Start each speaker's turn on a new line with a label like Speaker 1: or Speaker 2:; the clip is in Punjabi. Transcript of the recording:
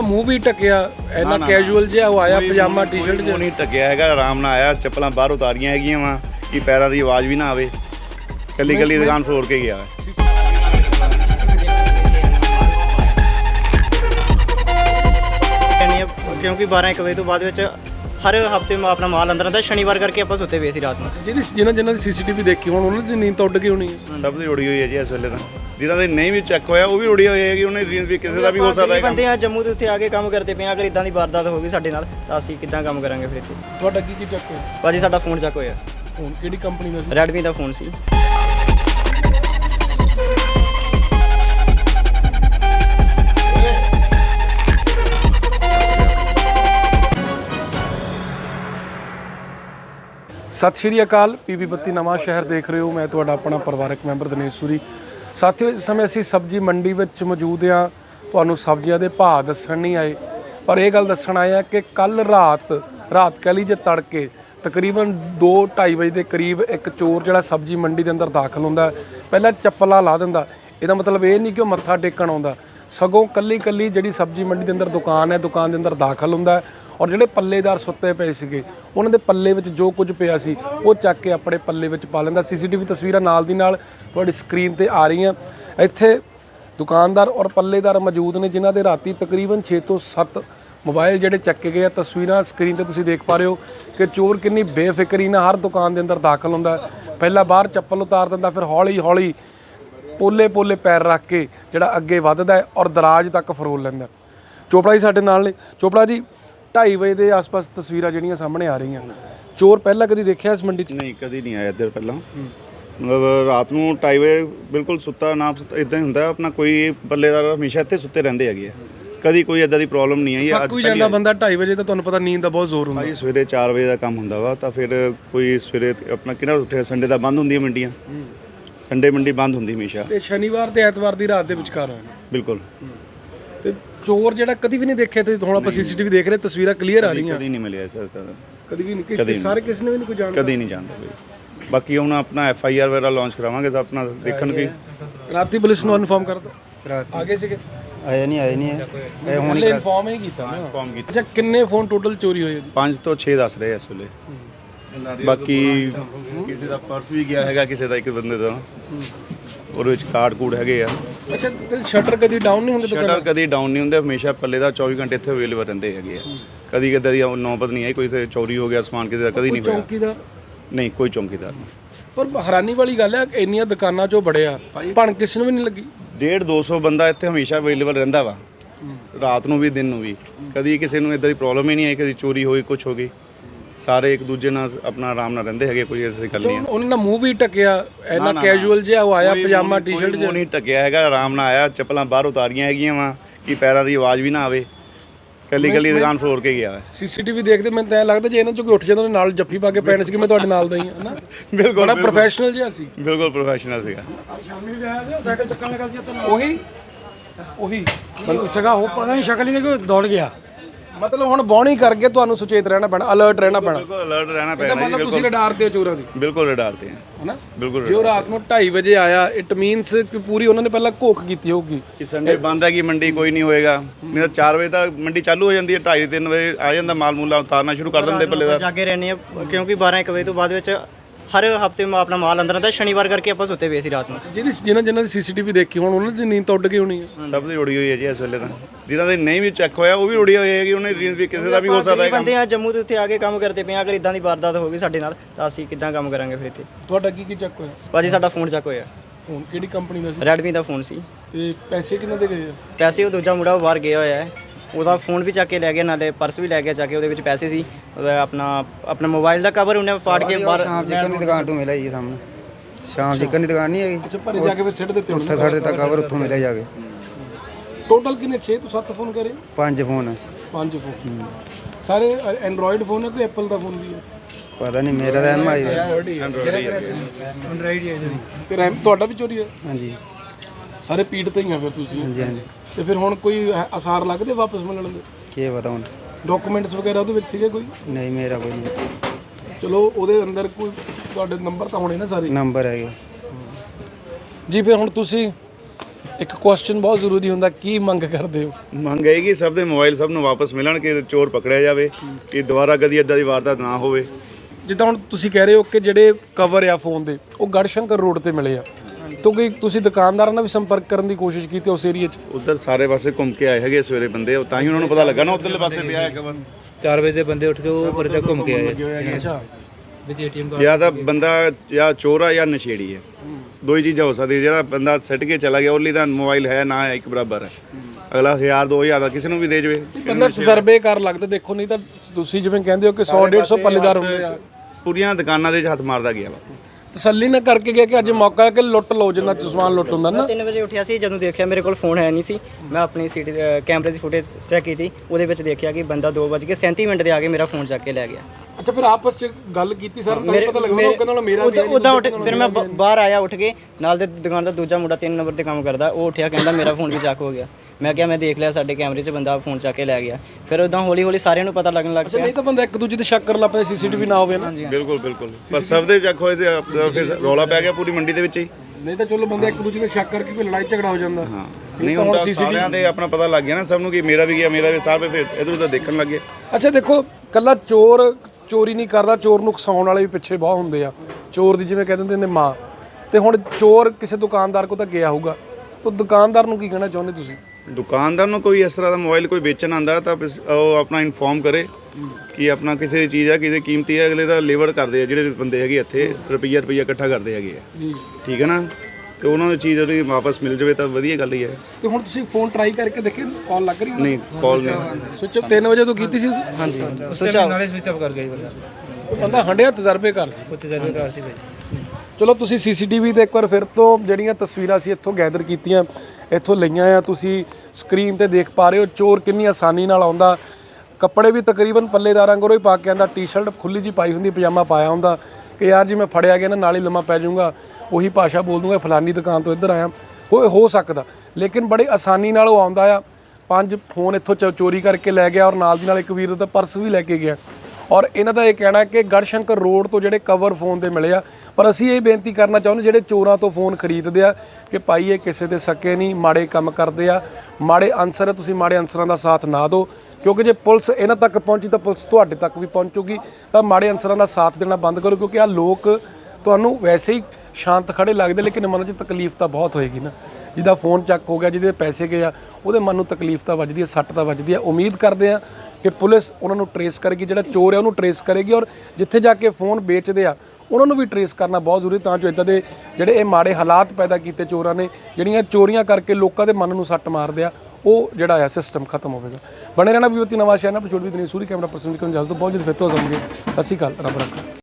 Speaker 1: ਮੂੰਹ ਵੀ ਢੱਕਿਆ ਇੰਨਾ ਕੈਜੂਅਲ ਜਿਹਾ ਉਹ ਆਇਆ ਪਜਾਮਾ ਟੀ-ਸ਼ਰਟ
Speaker 2: ਜਿਹਾ ਨਹੀਂ ਢੱਕਿਆ ਹੈਗਾ, ਆਰਾਮ ਨਾਲ ਆਇਆ, ਚੱਪਲਾਂ ਬਾਹਰ ਉਤਾਰੀਆਂ ਹੈਗੀਆਂ ਵਾ ਕਿ ਪੈਰਾਂ ਦੀ ਆਵਾਜ਼ ਵੀ ਨਾ ਆਵੇ, ਕੱਲੀ ਕੱਲੀ ਦੁਕਾਨ ਫਲੋਰ ਕੇ ਗਿਆ।
Speaker 3: ਕਿਉਂਕਿ 12-1 ਵਜੇ ਤੋਂ ਬਾਅਦ ਵਿੱਚ ਹਰ ਹਫਤੇ ਮੈਂ ਆਪਣਾ ਮਾਲ ਅੰਦਰ ਆਉਂਦਾ, ਸ਼ਨੀਵਾਰ ਕਰਕੇ ਆਪਾਂ ਸੁੱਤੇ ਪਏ ਸੀ ਰਾਤ ਨੂੰ।
Speaker 1: ਜਿਨ੍ਹਾਂ ਦੀ ਸੀਸੀਟੀਵੀ ਦੇਖੀ ਹੁਣ ਉਹਨਾਂ ਦੀ ਨੀਂਦ ਤਾਂ ਉੱਡ ਗਈ ਹੋਣੀ ਹੈ।
Speaker 2: ਸਭ ਦੀ ਉੜੀ ਹੋਈ ਹੈ ਜੀ ਇਸ ਵੇਲੇ ਤਾਂ, ਜਿਨ੍ਹਾਂ ਦੇ ਨਹੀਂ ਵੀ ਚੈੱਕ ਹੋਇਆ ਉਹ ਵੀ ਉੜੀ ਹੋਈ ਹੈਗੀ, ਉਹਨੇ ਰੀਜ਼ ਵੀ ਕਿਸੇ ਦਾ ਵੀ ਹੋ ਸਕਦਾ ਹੈ।
Speaker 3: ਬੰਦੇ ਆ ਜੰਮੂ ਦੇ ਉੱਤੇ ਆ ਕੇ ਕੰਮ ਕਰਦੇ ਪਏ ਆ, ਅਗਰ ਇਦਾਂ ਦੀ ਵਾਰਦਾਤ ਹੋ ਗਈ ਸਾਡੇ ਨਾਲ ਤਾਂ ਅਸੀਂ ਕਿੱਦਾਂ ਕੰਮ ਕਰਾਂਗੇ ਫਿਰ ਇੱਥੇ।
Speaker 1: ਤੁਹਾਡਾ ਕੀ ਚੱਕ ਹੋਇਆ?
Speaker 3: ਭਾਜੀ ਸਾਡਾ ਫੋਨ ਚੱਕ ਹੋਇਆ।
Speaker 1: ਹੁਣ ਕਿਹੜੀ ਕੰਪਨੀ ਦਾ ਸੀ?
Speaker 3: ਰੈਡਮੀ ਦਾ ਫੋਨ ਸੀ।
Speaker 1: ਸਤਿ ਸ਼੍ਰੀ ਅਕਾਲ, ਪੀਬੀ 32 ਨਵਾਂ ਸ਼ਹਿਰ ਦੇਖ ਰਹੇ ਹੋ। ਮੈਂ ਤੁਹਾਡਾ ਆਪਣਾ ਪਰਿਵਾਰਕ ਮੈਂਬਰ ਦਿਨੇਸ਼ ਸੂਰੀ। ਸਾਥੀਓ, ਇਸ ਸਮੇਂ ਅਸੀਂ ਸਬਜ਼ੀ ਮੰਡੀ ਵਿੱਚ ਮੌਜੂਦ ਹਾਂ। ਤੁਹਾਨੂੰ ਸਬਜ਼ੀਆਂ ਦੇ ਭਾਅ ਦੱਸਣ ਨਹੀਂ ਆਏ, ਪਰ ਇਹ ਗੱਲ ਦੱਸਣ ਆਏ ਆ ਕਿ ਕੱਲ ਰਾਤ ਕਹਿ ਲਈ ਜੇ ਤੜਕੇ ਤਕਰੀਬਨ 2-2:30 ਵਜੇ ਦੇ ਕਰੀਬ ਇੱਕ ਚੋਰ ਜਿਹੜਾ ਸਬਜ਼ੀ ਮੰਡੀ ਦੇ ਅੰਦਰ ਦਾਖਲ ਹੁੰਦਾ, ਪਹਿਲਾਂ ਚੱਪਲਾਂ ਲਾ ਦਿੰਦਾ। ਇਹਦਾ ਮਤਲਬ ਇਹ ਨਹੀਂ ਕਿ ਉਹ ਮੱਥਾ ਟੇਕਣ ਆਉਂਦਾ, ਸਗੋਂ ਕੱਲੀ ਜਿਹੜੀ ਸਬਜ਼ੀ ਮੰਡੀ ਦੇ ਅੰਦਰ ਦੁਕਾਨ ਹੈ, ਦੁਕਾਨ ਦੇ ਅੰਦਰ ਦਾਖਲ ਹੁੰਦਾ ਔਰ ਜਿਹੜੇ ਪੱਲੇਦਾਰ ਸੁੱਤੇ ਪਏ ਸੀਗੇ ਉਹਨਾਂ ਦੇ ਪੱਲੇ ਵਿੱਚ ਜੋ ਕੁਝ ਪਿਆ ਸੀ ਉਹ ਚੱਕ ਕੇ ਆਪਣੇ ਪੱਲੇ ਵਿੱਚ ਪਾ ਲੈਂਦਾ। ਸੀਸੀਟੀਵੀ ਤਸਵੀਰਾਂ ਨਾਲ ਦੀ ਨਾਲ ਤੁਹਾਡੀ ਸਕਰੀਨ ਤੇ ਆ ਰਹੀਆਂ। ਇੱਥੇ ਦੁਕਾਨਦਾਰ ਔਰ ਪੱਲੇਦਾਰ ਮੌਜੂਦ ਨੇ ਜਿਨ੍ਹਾਂ ਦੇ ਰਾਤੀ ਤਕਰੀਬਨ 6 ਤੋਂ 7 ਮੋਬਾਈਲ ਜਿਹੜੇ ਚੱਕੇ ਗਏ ਆ। ਤਸਵੀਰਾਂ ਸਕਰੀਨ ਤੇ ਤੁਸੀਂ ਦੇਖ ਪਾ ਰਹੇ ਹੋ ਕਿ ਚੋਰ ਕਿੰਨੀ ਬੇਫਿਕਰੀ ਨਾਲ ਹਰ ਦੁਕਾਨ ਦੇ ਅੰਦਰ ਦਾਖਲ ਹੁੰਦਾ। ਪਹਿਲਾਂ ਬਾਹਰ ਚੱਪਲ ਉਤਾਰ ਦਿੰਦਾ, ਫਿਰ ਹੌਲੀ ਪੋਲੇ ਪੈਰ ਰੱਖ ਕੇ ਜਿਹੜਾ ਅੱਗੇ ਵੱਧਦਾ ਔਰ ਦਰਾਜ ਤੱਕ ਫਰੋਲ ਲੈਂਦਾ। ਚੋਪੜਾ ਜੀ ਸਾਡੇ ਨਾਲ ਨੇ। ਚੋਪੜਾ ਜੀ, 2:30 ਵਜੇ ਦੇ ਆਸ-ਪਾਸ ਤਸਵੀਰਾਂ ਜਿਹੜੀਆਂ ਸਾਹਮਣੇ ਆ ਰਹੀਆਂ, ਚੋਰ ਪਹਿਲਾਂ ਕਦੀ ਦੇਖਿਆ ਇਸ ਮੰਡੀ 'ਚ?
Speaker 2: ਨਹੀਂ, ਕਦੀ ਨਹੀਂ ਆਇਆ ਇੱਧਰ ਪਹਿਲਾਂ। ਮਤਲਬ ਰਾਤ ਨੂੰ 2:30 ਵਜੇ ਬਿਲਕੁਲ ਸੁੱਤਾ ਨਾ ਇਦਾਂ ਹੀ ਹੁੰਦਾ ਆਪਣਾ। ਕੋਈ ਪੱਲੇਦਾਰ ਹਮੇਸ਼ਾ ਇੱਥੇ ਸੁੱਤੇ ਰਹਿੰਦੇ ਹੈਗੇ ਆ, ਕਦੀ ਕੋਈ ਇਦਾਂ ਦੀ ਪ੍ਰੋਬਲਮ ਨਹੀਂ ਆਈ।
Speaker 1: ਥੱਕ ਜਾਂਦਾ ਬੰਦਾ 2:30 ਵਜੇ, ਤਾਂ ਤੁਹਾਨੂੰ ਪਤਾ ਨੀਂਦ ਦਾ ਬਹੁਤ ਜ਼ੋਰ ਹੁੰਦਾ।
Speaker 2: ਭਾਈ ਸਵੇਰੇ 4 ਵਜੇ ਦਾ ਕੰਮ ਹੁੰਦਾ ਵਾ, ਤਾਂ ਫਿਰ ਕੋਈ ਸਵੇਰੇ ਆਪਣਾ ਕਿਹੜਾ ਉੱਠਿਆ। ਸੰਡੇ ਦਾ ਬੰਦ ਹੁੰਦੀਆਂ ਮੰਡੀਆਂ, ਸੰਡੇ ਮੰਡੀ ਬੰਦ ਹੁੰਦੀ ਹਮੇਸ਼ਾ,
Speaker 1: ਤੇ ਸ਼ਨੀਵਾਰ ਤੇ ਐਤਵਾਰ ਦੀ ਰਾਤ ਦੇ ਵਿਚਕਾਰ ਹੋਇਆ
Speaker 2: ਬਿਲਕੁਲ।
Speaker 1: ਤੇ ਚੋਰ ਜਿਹੜਾ ਕਦੀ ਵੀ ਨਹੀਂ ਦੇਖਿਆ, ਤੇ ਹੁਣ ਆਪਾਂ ਸੀਸੀਟੀਵੀ ਦੇਖ ਰਹੇ, ਤਸਵੀਰਾਂ ਕਲੀਅਰ ਆ ਰਹੀਆਂ।
Speaker 2: ਕਦੀ ਨਹੀਂ ਮਿਲਿਆ ਸਰ,
Speaker 1: ਕਦੀ ਵੀ ਨਹੀਂ, ਸਾਰੇ ਕਿਸੇ ਨੇ ਵੀ ਨਹੀਂ ਕੋਈ ਜਾਣਦਾ,
Speaker 2: ਕਦੀ ਨਹੀਂ ਜਾਣਦਾ ਕੋਈ। ਬਾਕੀ ਹੁਣ ਆਪਣਾ FIR ਵਗੈਰਾ ਲਾਂਚ ਕਰਾਵਾਂਗੇ ਸਭ ਆਪਣਾ ਦੇਖਣ ਕੀ।
Speaker 1: ਰਾਤੀ ਪੁਲਿਸ ਨੂੰ ਇਨਫਾਰਮ ਕਰਦਾ ਆਗੇ ਸੀਗੇ?
Speaker 4: ਆਏ ਨਹੀਂ
Speaker 1: ਇਹ ਹੁਣ ਇਨਫਾਰਮ ਹੀ ਕੀਤਾ ਨਾ।
Speaker 2: ਇਨਫਾਰਮ ਕੀਤਾ।
Speaker 1: ਅੱਛਾ, ਕਿੰਨੇ ਫੋਨ ਟੋਟਲ ਚੋਰੀ ਹੋਏ?
Speaker 2: 5 ਤੋਂ 6 ਦੱਸ ਰਹੇ ਇਸ ਵੇਲੇ। ਬਾਕੀ ਕਿਸੇ ਦਾ ਪਰਸ ਵੀ ਗਿਆ ਹੈਗਾ, ਕਿਸੇ ਦਾ ਇੱਕ ਬੰਦੇ ਦਾ, ਉਹਦੇ ਵਿੱਚ ਕਾਰਡ ਕੂਡ ਹੈਗੇ ਆ।
Speaker 1: ਅੱਛਾ, ਤੇ ਸ਼ਟਰ ਕਦੀ ਡਾਊਨ ਨਹੀਂ ਹੁੰਦੇ?
Speaker 2: ਸ਼ਟਰ ਕਦੀ ਡਾਊਨ ਨਹੀਂ ਹੁੰਦੇ, ਹਮੇਸ਼ਾ ਪੱਲੇ ਦਾ 24 ਘੰਟੇ ਇੱਥੇ ਅਵੇਲੇਬਲ ਰਹਿੰਦੇ ਹੈਗੇ ਆ। ਕਦੀ ਕਿੱਦਾਂ ਦੀ ਨੌਬਤ ਨਹੀਂ ਆਈ ਕੋਈ ਤੇ ਚੋਰੀ ਹੋ ਗਿਆ ਸਮਾਨ ਕਿਸੇ ਦਾ, ਕਦੀ ਨਹੀਂ ਹੋਇਆ।
Speaker 1: ਚੌਂਕੀਦਾਰ?
Speaker 2: ਨਹੀਂ, ਕੋਈ ਚੌਂਕੀਦਾਰ ਨਹੀਂ।
Speaker 1: ਪਰ ਹੈਰਾਨੀ ਵਾਲੀ ਗੱਲ ਹੈ, ਇੰਨੀਆਂ ਦੁਕਾਨਾਂ 'ਚੋਂ ਬੜਿਆ ਭਣ ਕਿਸੇ ਨੂੰ ਵੀ ਨਹੀਂ ਲੱਗੀ।
Speaker 2: 150-200 ਬੰਦਾ ਇੱਥੇ ਹਮੇਸ਼ਾ ਅਵੇਲੇਬਲ ਰਹਿੰਦਾ ਵਾ, ਰਾਤ ਨੂੰ ਵੀ ਦਿਨ ਨੂੰ ਵੀ। ਕਦੀ ਕਿਸੇ ਨੂੰ ਇਦਾਂ ਦੀ ਪ੍ਰੋਬਲਮ ਹੀ ਨਹੀਂ ਆਈ, ਕਦੀ ਚੋਰੀ ਹੋਈ ਕੁਛ ਹੋ ਗਈ। ਸਾਰੇ ਇੱਕ ਦੂਜੇ ਨਾਲ ਆਪਣਾ ਆਰਾਮ ਨਾਲ ਰਹਿੰਦੇ ਹੈਗੇ, ਕੋਈ ਐਸੀ ਗੱਲ ਨਹੀਂ ਹੈ।
Speaker 1: ਉਹਨਾਂ ਦਾ ਮੂੰਹ ਵੀ ਢੱਕਿਆ ਇੰਨਾ ਕੈਜੂਅਲ ਜਿਹਾ ਉਹ ਆਇਆ ਪਜਾਮਾ ਟੀ-ਸ਼ਰਟ
Speaker 2: ਜਿਹਾ ਨਹੀਂ ਢੱਕਿਆ ਹੈਗਾ, ਆਰਾਮ ਨਾਲ ਆਇਆ, ਚੱਪਲਾਂ ਬਾਹਰ ਉਤਾਰੀਆਂ ਹੈਗੀਆਂ ਵਾ ਕਿ ਪੈਰਾਂ ਦੀ ਆਵਾਜ਼ ਵੀ ਨਾ ਆਵੇ, ਕੱਲੀ ਦੁਕਾਨ ਫਲੋਰ ਕੇ ਗਿਆ।
Speaker 1: ਸੀਸੀਟੀਵੀ ਦੇਖਦੇ ਮੈਨੂੰ ਤਾਂ ਲੱਗਦਾ ਜੇ ਇਹਨਾਂ ਚੋਂ ਕੋਈ ਉੱਠ ਜਾਂਦਾ ਨਾਲ ਜੱਫੀ ਪਾ ਕੇ ਪੈਣ ਸੀ ਕਿ ਮੈਂ ਤੁਹਾਡੇ ਨਾਲ ਦਾ ਹੀ ਹਾਂ ਨਾ।
Speaker 2: ਬਿਲਕੁਲ
Speaker 1: ਬੜਾ ਪ੍ਰੋਫੈਸ਼ਨਲ ਜਿਹਾ ਸੀ।
Speaker 2: ਬਿਲਕੁਲ ਪ੍ਰੋਫੈਸ਼ਨਲ ਸੀਗਾ।
Speaker 4: ਸਾਈਕਲ ਚੱਕਣ ਲੱਗਾ ਸੀ
Speaker 1: ਉਹੀ
Speaker 4: ਸਗਾ ਉਹ ਪਤਾ ਨਹੀਂ ਸ਼ਕਲ ਹੀ ਨਹੀਂ ਕਿ ਦੌੜ ਗਿਆ।
Speaker 1: ਮਤਲਬ ਹੁਣ ਬੌਣੀ ਕਰਕੇ ਤੁਹਾਨੂੰ ਸੁਚੇਤ ਰਹਿਣਾ ਪੈਣਾ, ਅਲਰਟ ਰਹਿਣਾ ਪੈਣਾ।
Speaker 2: ਬਿਲਕੁਲ ਅਲਰਟ ਰਹਿਣਾ ਪੈਣਾ ਜੀ।
Speaker 1: ਤੁਸੀਂ ਰਡਾਰ ਤੇ ਹੋ ਚੋਰਾਂ ਦੀ?
Speaker 2: ਬਿਲਕੁਲ ਰਡਾਰ ਤੇ ਹੈ,
Speaker 1: ਹੈਨਾ?
Speaker 2: ਬਿਲਕੁਲ।
Speaker 1: ਜੇ ਉਹ ਰਾਤ ਨੂੰ 2:30 ਵਜੇ ਆਇਆ, ਇਟ ਮੀਨਸ ਕਿ ਪੂਰੀ ਉਹਨਾਂ ਨੇ ਪਹਿਲਾਂ ਘੋਖ ਕੀਤੀ ਹੋਊਗੀ
Speaker 2: ਕਿ ਸੰਡੇ ਬੰਦ ਹੈਗੀ ਮੰਡੀ, ਕੋਈ ਨਹੀਂ ਹੋਏਗਾ। ਨਹੀਂ ਤਾਂ 4 ਵਜੇ ਤੱਕ ਮੰਡੀ ਚਾਲੂ ਹੋ ਜਾਂਦੀ ਹੈ, 2:30-3 ਵਜੇ ਆ ਜਾਂਦਾ ਮਾਲ ਮੂਲਾ ਉਤਾਰਨਾ ਸ਼ੁਰੂ ਕਰ ਦਿੰਦੇ ਪੱਲੇ ਦਾ।
Speaker 3: ਜਾਗੇ ਰਹਿੰਦੇ ਆ ਕਿਉਂਕਿ 12-1 ਵਜੇ ਤੋਂ ਬਾਅਦ ਵਿੱਚ ਹਰ ਹਫਤੇ ਮੈਂ ਆਪਣਾ ਮਾਲ ਅੰਦਰ ਆਉਂਦਾ, ਸ਼ਨੀਵਾਰ ਕਰਕੇ ਆਪਾਂ ਸੁੱਤੇ ਪਏ ਸੀ ਰਾਤ ਨੂੰ।
Speaker 1: ਜਿਨ੍ਹਾਂ ਦੀ ਸੀਸੀਟੀਵੀ ਦੇਖੀ ਹੁਣ ਉਹਨਾਂ ਦੀ ਨੀਂਦ ਤਾਂ ਉੱਡ ਗਈ ਹੋਣੀ ਹੈ।
Speaker 2: ਸਭ ਦੀ ਉੜੀ ਹੋਈ ਹੈ ਜੀ ਇਸ ਵੇਲੇ ਤਾਂ, ਜਿਨ੍ਹਾਂ ਦੇ ਨਹੀਂ ਵੀ ਚੈੱਕ ਹੋਇਆ ਉਹ ਵੀ ਉੜੀ ਹੋਈ ਹੈਗੀ, ਉਹਨੇ ਰੀਜ਼ ਵੀ ਕਿਸੇ ਦਾ ਵੀ ਹੋ ਸਕਦਾ ਹੈ।
Speaker 3: ਬੰਦੇ ਆ ਜੰਮੂ ਦੇ ਉੱਤੇ ਆ ਕੇ ਕੰਮ ਕਰਦੇ ਪਏ ਆ, ਅਗਰ ਇਦਾਂ ਦੀ ਵਾਰਦਾਤ ਹੋ ਗਈ ਸਾਡੇ ਨਾਲ ਤਾਂ ਅਸੀਂ ਕਿੱਦਾਂ ਕੰਮ ਕਰਾਂਗੇ ਫਿਰ ਇੱਥੇ।
Speaker 1: ਤੁਹਾਡਾ ਕੀ ਚੱਕ ਹੋਇਆ?
Speaker 3: ਭਾਜੀ ਸਾਡਾ ਫੋਨ ਚੱਕ ਹੋਇਆ।
Speaker 1: ਹੁਣ ਕਿਹੜੀ ਕੰਪਨੀ ਦਾ ਸੀ?
Speaker 3: ਰੈਡਮੀ ਦਾ ਫੋਨ ਸੀ।
Speaker 1: ਤੇ ਪੈਸੇ ਕਿੰਨੇ ਦੇ ਗਏ?
Speaker 3: ਪੈਸੇ ਉਹ ਦੂਜਾ ਮੁੰਡਾ ਬਾਹਰ ਗਿਆ ਹੋਇਆ ਹੈ, ਉਹਦਾ ਫੋਨ ਵੀ ਚੱਕ ਕੇ ਲੈ ਗਿਆ, ਨਾਲੇ ਪਰਸ ਵੀ ਲੈ ਗਿਆ ਚੱਕ ਕੇ, ਉਹਦੇ ਵਿੱਚ ਪੈਸੇ ਸੀ। ਉਹਦਾ ਆਪਣਾ ਮੋਬਾਈਲ ਦਾ ਕਵਰ ਉਹਨੇ ਪਾੜ ਕੇ ਬਾਹਰ
Speaker 4: ਸ਼ਾਮ ਚਿਕਨ ਦੀ ਦੁਕਾਨ ਤੋਂ ਮਿਲਿਆ ਜੀ ਸਾਹਮਣੇ। ਸ਼ਾਮ ਚਿਕਨ ਦੀ ਦੁਕਾਨ ਨਹੀਂ ਹੈਗੀ,
Speaker 1: ਅੱਛਾ, ਭਰੇ ਜਾ ਕੇ ਫਿਰ ਸਿੱਟ ਦਿੱਤੇ
Speaker 4: ਉੱਥੇ ਸਾਡੇ ਤੱਕ ਕਵਰ ਉੱਥੋਂ ਮਿਲਿਆ ਜਾ ਕੇ।
Speaker 1: ਟੋਟਲ ਕਿੰਨੇ? 6 ਤੋਂ 7 ਫੋਨ ਕਰੇ?
Speaker 4: 5 ਫੋਨ।
Speaker 1: 5 ਫੋਨ ਸਾਰੇ ਐਂਡਰੋਇਡ ਫੋਨ ਹੈ ਕਿ ਐਪਲ ਦਾ ਫੋਨ ਵੀ ਹੈ?
Speaker 4: ਪਤਾ ਨਹੀਂ, ਮੇਰਾ ਤਾਂ MI ਦਾ।
Speaker 1: ਐਂਡਰੋਇਡ ਹੀ ਹੈ ਜੀ। ਤੇ ਰੈਮ ਤੁਹਾਡਾ ਵੀ ਚੋਰੀ ਹੈ?
Speaker 4: ਹਾਂਜੀ
Speaker 1: ਸਾਰੇ ਪੀੜ ਤੇ ਹੀ ਆ ਫਿਰ ਤੁਸੀਂ?
Speaker 4: ਹਾਂਜੀ ਹਾਂਜੀ।
Speaker 1: ਤੇ ਫਿਰ ਹੁਣ ਕੋਈ ਅਸਾਰ ਲੱਗਦੇ ਵਾਪਸ ਮਿਲਣ ਦੇ?
Speaker 4: ਕੀ ਪਤਾ ਹੁਣ।
Speaker 1: ਡਾਕੂਮੈਂਟਸ ਵਗੈਰਾ ਉਹਦੇ ਵਿੱਚ ਸੀਗੇ ਕੋਈ?
Speaker 4: ਨਹੀਂ, ਮੇਰਾ ਕੋਈ ਨਹੀਂ।
Speaker 1: ਚਲੋ ਉਹਦੇ ਅੰਦਰ ਕੋਈ ਤੁਹਾਡੇ ਨੰਬਰ ਤਾਂ ਹੋਣੇ ਨਾ ਸਾਰੇ?
Speaker 4: ਨੰਬਰ ਹੈਗੇ
Speaker 1: ਜੀ। ਫਿਰ ਹੁਣ ਤੁਸੀਂ ਇੱਕ ਕੁਐਸਚਨ ਬਹੁਤ ਜ਼ਰੂਰੀ ਹੁੰਦਾ, ਕੀ ਮੰਗ ਕਰਦੇ ਹੋ?
Speaker 2: ਮੰਗ ਹੈ ਕਿ ਸਭ ਦੇ ਮੋਬਾਈਲ ਸਭ ਨੂੰ ਵਾਪਸ ਮਿਲਣ, ਕਿ ਚੋਰ ਪਕੜਿਆ ਜਾਵੇ, ਕਿ ਦੁਬਾਰਾ ਕਦੀ ਇਦਾਂ ਦੀ ਵਾਰਦਾਤ ਨਾ ਹੋਵੇ।
Speaker 1: ਜਿੱਦਾਂ ਹੁਣ ਤੁਸੀਂ ਕਹਿ ਰਹੇ ਹੋ ਕਿ ਜਿਹੜੇ ਕਵਰ ਆ ਫੋਨ ਦੇ ਉਹ ਗੜਸ਼ੰਕਰ ਰੋਡ ਤੇ ਮਿਲੇ ਆ, ਤਾਂ ਕਿ ਤੁਸੀਂ ਦੁਕਾਨਦਾਰਾਂ ਨਾਲ ਵੀ ਸੰਪਰਕ ਕਰਨ ਦੀ ਕੋਸ਼ਿਸ਼ ਕੀਤੀ ਉਸ ਏਰੀਆ 'ਚ?
Speaker 2: ਉਧਰ ਸਾਰੇ ਪਾਸੇ ਘੁੰਮ ਕੇ ਆਏ ਹੈਗੇ ਸਵੇਰੇ ਬੰਦੇ, ਤਾਂ ਹੀ ਉਹਨਾਂ ਨੂੰ ਪਤਾ ਲੱਗਾ ਨਾ ਉਧਰਲੇ ਪਾਸੇ ਪਿਆ ਹੈ ਕਵਰ।
Speaker 5: 4 ਵਜੇ ਦੇ ਬੰਦੇ ਉੱਠ ਕੇ ਉਹ ਪਰਚਾ ਘੁੰਮ ਕੇ ਆਏ
Speaker 1: ਅੱਛਾ,
Speaker 5: ਵਿੱਚ ATM
Speaker 2: ਜਾਂ ਤਾਂ ਬੰਦਾ ਜਾਂ ਚੋਰ ਆ ਜਾਂ ਨਸ਼ੇੜੀ ਹੈ, ਦੋ ਹੀ ਚੀਜ਼ਾਂ ਹੋ ਸਕਦੀਆਂ। ਜਿਹੜਾ ਬੰਦਾ ਸੱਟ ਕੇ ਚਲਾ ਗਿਆ ਉਹਲੀ ਦਾ ਮੋਬਾਈਲ ਹੈ ਨਾ ਹੈ ਇੱਕ ਬਰਾਬਰ ਹੈ, ਅਗਲਾ 1000 2000 ਦਾ ਕਿਸੇ ਨੂੰ ਵੀ ਦੇ ਜਵੇ।
Speaker 1: ਬੰਦਾ ਤਜਰਬੇ ਕਰ ਲੱਗਦਾ, ਦੇਖੋ ਨਹੀਂ ਤਾਂ ਤੁਸੀਂ ਜਿਵੇਂ ਕਹਿੰਦੇ ਹੋ ਕਿ 100 150 ਪੱਲੇਦਾਰ ਹੁੰਦੇ ਆ,
Speaker 2: ਪੂਰੀਆਂ ਦੁਕਾਨਾਂ ਦੇ ਹੱਥ ਮਾਰਦਾ ਗਿਆ ਵਾ।
Speaker 1: ਤਸੱਲੀ ਨਾ ਕਰਕੇ ਗਿਆ ਕਿ ਅੱਜ ਮੌਕਾ ਹੈ ਕਿ ਲੁੱਟ ਲਓ, ਜਿੰਨਾ ਸਮਾਨ ਲੁੱਟ ਹੁੰਦਾ ਨਾ।
Speaker 3: 3 ਵਜੇ ਉੱਠਿਆ ਸੀ, ਜਦੋਂ ਦੇਖਿਆ ਮੇਰੇ ਕੋਲ ਫੋਨ ਹੈ ਨਹੀਂ ਸੀ, ਮੈਂ ਆਪਣੀ ਸੀਟੀ ਕੈਮਰੇ ਦੀ ਫੁਟੇਜ ਚੈੱਕ ਕੀਤੀ, ਉਹਦੇ ਵਿੱਚ ਦੇਖਿਆ ਕਿ ਬੰਦਾ 2:37 ਦੇ ਆ ਕੇ ਮੇਰਾ ਫੋਨ ਚੱਕ ਕੇ ਲੈ ਗਿਆ।
Speaker 1: ਅੱਛਾ, ਫਿਰ ਆਪਸ 'ਚ ਗੱਲ ਕੀਤੀ ਸਰ, ਤਾਂ ਪਤਾ ਲੱਗਾ ਉਹ ਕਹਿੰਦਾ ਮੇਰਾ
Speaker 3: ਉਦਾਂ ਉੱਠ ਫਿਰ ਮੈਂ ਬਾਹਰ ਆਇਆ, ਉੱਠ ਕੇ ਨਾਲ ਦੇ ਦੁਕਾਨ ਦਾ ਦੂਜਾ ਮੁੰਡਾ 3 ਨੰਬਰ ਤੇ ਕੰਮ ਕਰਦਾ, ਉਹ ਉੱਠਿਆ ਕਹਿੰਦਾ ਮੇਰਾ ਫੋਨ ਵੀ ਚੱਕ ਹੋ ਗਿਆ। ਮੈਂ ਕਿਹਾ ਮੈਂ ਦੇਖ ਲਿਆ ਸਾਡੇ ਕੈਮਰੇ 'ਚ ਬੰਦਾ ਫੋਨ ਚੱਕ ਕੇ ਲੈ ਗਿਆ। ਫਿਰ ਉਦਾਂ ਹੌਲੀ ਹੌਲੀ ਸਾਰਿਆਂ ਨੂੰ ਪਤਾ ਲੱਗਣ ਲੱਗ ਪਿਆ।
Speaker 1: ਨਹੀਂ ਤਾਂ ਬੰਦਾ ਇੱਕ ਦੂਜੇ ਤੇ ਸ਼ੱਕ ਕਰਨ ਲੱਗ ਪਿਆ, CCTV ਨਾ ਹੋਵੇ ਨਾ।
Speaker 2: ਬਿਲਕੁਲ ਬਿਲਕੁਲ, ਪਰ ਸਭ ਦੇ ਚੱਕ ਹੋਏ ਸੀ, ਫਿਰ ਰੌਲਾ ਪੈ ਗਿਆ ਪੂਰੀ ਮੰਡੀ ਦੇ ਵਿੱਚ ਹੀ।
Speaker 1: ਨਹੀਂ ਤਾਂ ਚਲੋ ਬੰਦਾ ਇੱਕ ਦੂਜੇ ਤੇ ਸ਼ੱਕ ਕਰਕੇ ਕੋਈ ਲੜਾਈ ਝਗੜਾ ਹੋ ਜਾਂਦਾ।
Speaker 2: ਹਾਂ, ਨਹੀਂ ਹੁੰਦਾ, ਸਾਰਿਆਂ ਦੇ ਆਪਣਾ ਪਤਾ ਲੱਗ ਗਿਆ ਨਾ ਸਭ ਨੂੰ ਕਿ ਮੇਰਾ ਵੀ ਗਿਆ, ਮੇਰਾ ਵੀ, ਸਾਰੇ ਫਿਰ ਇਧਰ ਉਧਰ ਦੇਖਣ ਲੱਗੇ।
Speaker 1: ਅੱਛਾ ਦੇਖੋ, ਕੱਲਾ ਚੋਰ ਚੋਰੀ ਨਹੀਂ ਕਰਦਾ, ਚੋਰ ਨੂੰ ਉਕਸਾਉਣ ਵਾਲੇ ਵੀ ਪਿੱਛੇ ਬਹੁਤ ਹੁੰਦੇ ਆ। ਚੋਰ ਦੀ ਜਿਵੇਂ ਕਹਿ ਦਿੰਦੇ ਨੇ ਮਾਂ, ਤੇ ਹੁਣ ਚੋਰ ਕਿਸੇ ਦੁਕਾਨਦਾਰ ਕੋਲ ਤਾਂ ਗਿਆ ਹੋਊਗਾ, ਤਾਂ ਦੁਕਾਨਦਾਰ ਨੂੰ ਕੀ ਕਹਿਣਾ ਚਾਹੁੰਦੇ ਤੁਸੀਂ?
Speaker 2: ਦੁਕਾਨਦਾਰ ਨੂੰ ਕੋਈ ਇਸ ਤਰ੍ਹਾਂ ਦਾ ਮੋਬਾਈਲ ਕੋਈ ਵੇਚਣ ਆਂਦਾ ਤਾਂ ਉਹ ਆਪਣਾ ਇਨਫੋਰਮ ਕਰੇ ਕਿ ਆਪਣਾ ਕਿਸੇ ਦੀ ਚੀਜ਼ ਆ, ਕਿਸੇ ਦੀ ਕੀਮਤੀ ਹੈ, ਅਗਲੇ ਦਾ ਲੇਵਰ ਕਰਦੇ ਆ ਜਿਹੜੇ ਬੰਦੇ ਹੈਗੇ ਇੱਥੇ, ਰੁਪਈਆ ਇਕੱਠਾ ਕਰਦੇ ਹੈਗੇ ਆ ਜੀ, ਠੀਕ ਹੈ ਨਾ, ਤੇ ਉਹਨਾਂ ਨੂੰ ਚੀਜ਼ ਉਹਦੀ ਵਾਪਸ ਮਿਲ ਜਾਵੇ ਤਾਂ ਵਧੀਆ ਗੱਲ ਹੀ ਹੈ।
Speaker 1: ਤੇ ਹੁਣ ਤੁਸੀਂ ਫੋਨ ਟਰਾਈ ਕਰਕੇ ਦੇਖੇ, ਕਾਲ ਲੱਗ ਰਹੀ?
Speaker 2: ਨਹੀਂ, ਕਾਲ ਨਹੀਂ।
Speaker 1: ਸਵਿਚ ਆਫ 3 ਵਜੇ ਤੋਂ ਕੀਤੀ ਸੀ?
Speaker 3: ਹਾਂਜੀ,
Speaker 5: ਨਾਲੇ ਸਵਿਚ ਆਫ ਕਰ ਗਏ ਬੰਦਾ,
Speaker 1: ਉਹ ਬੰਦਾ ਹੰਡਿਆ ਤਜਰਬੇਕਾਰ ਸੀ।
Speaker 5: ਉਹ ਤਜਰਬੇਕਾਰ ਸੀ ਭਾਈ।
Speaker 1: ਚਲੋ ਤੁਸੀਂ CCTV ਤੇ ਇੱਕ ਵਾਰ ਫਿਰ ਤੋਂ ਜਿਹੜੀਆਂ ਤਸਵੀਰਾਂ ਸੀ ਇੱਥੋਂ ਗੈਦਰ ਕੀਤੀਆਂ, ਇੱਥੋਂ ਲਈਆਂ ਆ, ਤੁਸੀਂ ਸਕਰੀਨ ਤੇ ਦੇਖ ਪਾ ਰਹੇ ਹੋ ਚੋਰ ਕਿੰਨੀ ਆਸਾਨੀ ਨਾਲ ਆਉਂਦਾ। ਕੱਪੜੇ ਵੀ ਤਕਰੀਬਨ ਪੱਲੇਦਾਰਾਂ ਕੋਲੋਂ ਹੀ ਪਾ ਕੇ ਆਉਂਦਾ, ਟੀ-ਸ਼ਰਟ ਖੁੱਲੀ ਜੀ ਪਾਈ ਹੁੰਦੀ, ਪਜਾਮਾ ਪਾਇਆ ਹੁੰਦਾ ਕਿ ਯਾਰ ਜੀ ਮੈਂ ਫੜਿਆ ਗਿਆ ਨਾ ਨਾਲ ਹੀ ਲੰਮਾ ਪੈ ਜਾਊਂਗਾ, ਉਹੀ ਭਾਸ਼ਾ ਬੋਲ ਦੂੰਗਾ, ਫਲਾਨੀ ਦੁਕਾਨ ਤੋਂ ਇੱਧਰ ਆਇਆ, ਹੋ ਸਕਦਾ। ਲੇਕਿਨ ਬੜੀ ਆਸਾਨੀ ਨਾਲ ਉਹ ਆਉਂਦਾ ਆ। 5 ਫੋਨ ਇੱਥੋਂ ਚੋਰੀ ਕਰਕੇ ਲੈ ਗਿਆ, ਔਰ ਨਾਲ ਦੀ ਨਾਲ ਇੱਕ ਵੀਰ ਦਾ ਪਰਸ ਵੀ ਲੈ ਕੇ ਗਿਆ। ਔਰ ਇਹਨਾਂ ਦਾ ਇਹ ਕਹਿਣਾ ਕਿ ਗੜਸ਼ੰਕਰ ਰੋਡ ਤੋਂ ਜਿਹੜੇ ਕਵਰ ਫੋਨ ਦੇ ਮਿਲੇ ਆ। ਪਰ ਅਸੀਂ ਇਹ ਬੇਨਤੀ ਕਰਨਾ ਚਾਹੁੰਦੇ ਜਿਹੜੇ ਚੋਰਾਂ ਤੋਂ ਫੋਨ ਖਰੀਦਦੇ ਆ ਕਿ ਭਾਈ ਇਹ ਕਿਸੇ ਦੇ ਸਕੇ ਨਹੀਂ, ਮਾੜੇ ਕੰਮ ਕਰਦੇ ਆ, ਮਾੜੇ ਅਨਸਰ, ਤੁਸੀਂ ਮਾੜੇ ਅਨਸਰਾਂ ਦਾ ਸਾਥ ਨਾ ਦਿਓ, ਕਿਉਂਕਿ ਜੇ ਪੁਲਿਸ ਇਹਨਾਂ ਤੱਕ ਪਹੁੰਚੀ ਤਾਂ ਪੁਲਿਸ ਤੁਹਾਡੇ ਤੱਕ ਵੀ ਪਹੁੰਚੂਗੀ। ਤਾਂ ਮਾੜੇ ਅਨਸਰਾਂ ਦਾ ਸਾਥ ਦੇਣਾ ਬੰਦ ਕਰੋ, ਕਿਉਂਕਿ ਆ ਲੋਕ ਤੁਹਾਨੂੰ ਵੈਸੇ ਹੀ ਸ਼ਾਂਤ ਖੜੇ ਲੱਗਦੇ, ਲੇਕਿਨ ਮਨ 'ਚ ਤਕਲੀਫ ਤਾਂ ਬਹੁਤ ਹੋਏਗੀ ਨਾ। ਜਿਹਦਾ ਫੋਨ ਚੱਕ ਹੋ ਗਿਆ, ਜਿਹਦੇ ਪੈਸੇ ਗਏ ਆ, ਉਹਦੇ ਮਨ ਨੂੰ ਤਕਲੀਫ ਤਾਂ ਵੱਜਦੀ ਹੈ, ਸੱਟ ਤਾਂ ਵੱਜਦੀ ਹੈ। ਉਮੀਦ ਕਰਦੇ ਆ ਕਿ ਪੁਲਿਸ ਉਹਨਾਂ ਨੂੰ ਟਰੇਸ ਕਰੇਗੀ, ਜਿਹੜਾ ਚੋਰ ਹੈ ਉਹਨੂੰ ਟਰੇਸ ਕਰੇਗੀ, ਔਰ ਜਿੱਥੇ ਜਾ ਕੇ ਫੋਨ ਵੇਚਦੇ ਆ ਉਹਨਾਂ ਨੂੰ ਵੀ ਟਰੇਸ ਕਰਨਾ ਬਹੁਤ ਜ਼ਰੂਰੀ, ਤਾਂ ਜੋ ਇੱਦਾਂ ਦੇ ਜਿਹੜੇ ਇਹ ਮਾੜੇ ਹਾਲਾਤ ਪੈਦਾ ਕੀਤੇ ਚੋਰਾਂ ਨੇ, ਜਿਹੜੀਆਂ ਚੋਰੀਆਂ ਕਰਕੇ ਲੋਕਾਂ ਦੇ ਮਨ ਨੂੰ ਸੱਟ ਮਾਰਦੇ ਆ, ਉਹ ਜਿਹੜਾ ਆ ਸਿਸਟਮ ਖਤਮ ਹੋਵੇਗਾ। ਬਣੇ ਰਹਿਣਾ PB ਬੱਤੀ ਨਵਾਂ ਸ਼ਹਿਰ ਨਾਲ, ਛੋਟੀ ਵੀ ਸੂਰੀ ਕੈਮਰਾ ਪਰਸਨ ਨੂੰ ਜਸ ਦੋ ਬਹੁਤ ਜਲਦੀ ਫਿਰ ਤੋਂ ਆਵਾਂਗੇ। ਸਤਿ ਸ਼੍ਰੀ ਅਕਾਲ, ਰੱਬ ਰੱਖਾ।